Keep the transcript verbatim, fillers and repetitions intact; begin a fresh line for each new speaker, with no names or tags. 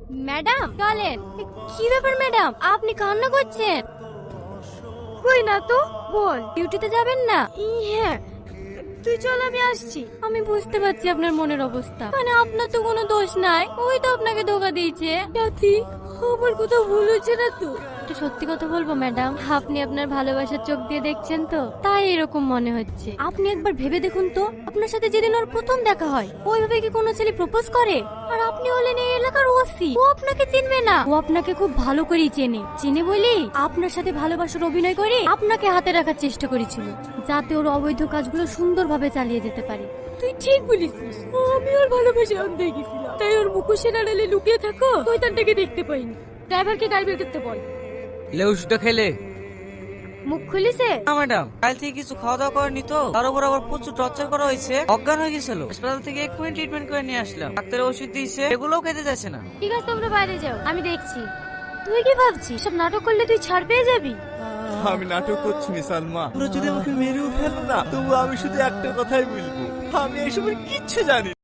Madam চলেন। কি ব্যাপার ম্যাডাম, আপনি কান্না করছেন? কই না তো, বল। ডিউটিতে যাবেন না? হ্যাঁ, তুই চল, আমি আসছি। আমি বুঝতে পারছি আপনার মনের অবস্থা, মানে আপনার তো কোনো দোষ নাই, ওই তো আপনাকে ধোকা দিয়েছে। সাথী, আমার কোথাও ভুল হচ্ছে না তো? একটা সত্যি কথা বলবো ম্যাডাম, আপনি আপনার ভালোবাসার চোখ দিয়ে দেখছেন তো, তাই এরকম মনে হচ্ছে। আপনি একবার ভেবে দেখুন তো, আপনার সাথে যেদিন ওর প্রথম দেখা হয়, ওইভাবে কি কোনো ছেলে প্রপোজ করে? আর আপনি হলেন এই এলাকার ওসি, ও আপনাকে চিনবে না? ও আপনাকে খুব ভালো করেই চেনে, চেনে বলেই আপনার সাথে ভালোবাসার অভিনয় করে আপনাকে হাতে রাখার চেষ্টা করেছিল, যাতে ওর অবৈধ কাজগুলো সুন্দরভাবে চালিয়ে যেতে পারে। তুই ঠিক বলেছিস, আমি ওর ভালোবাসা অন্ধ গেছিলাম, তাই ওর মুখোশের আড়ালে লুকিয়ে থাকো শয়তানটাকে দেখতে পাইনি। ড্রাইভারকে গাড়ি বের করতে বল।
লেউসটা খেলে
মুখ খুলিছে?
না ম্যাডাম, কাল থেকে কিছু খাওয়া দাওয়া করেনি তো, তার উপর আবার প্রচুর টর্চার করা হয়েছে, অজ্ঞান হয়ে গেছিল। হাসপাতাল থেকে এক্ষুনি ট্রিটমেন্ট করে নিয়ে আসলাম, ডাক্তার ওষুধ দিয়েছে, এগুলোও খেতে যাচ্ছে না।
ঠিক আছে, তোমরা বাইরে যাও, আমি দেখছি। তুই কি ভাবছিস সব নাটক করলে তুই ছাড় পেয়ে যাবি?
আমি নাটক করছি নি সালমা, তোমরা যদি আমাকে মেরেও ফেলো না, তবু আমি শুধু একটা কথাই বলবো, আমি এসবের কিচ্ছু জানি না।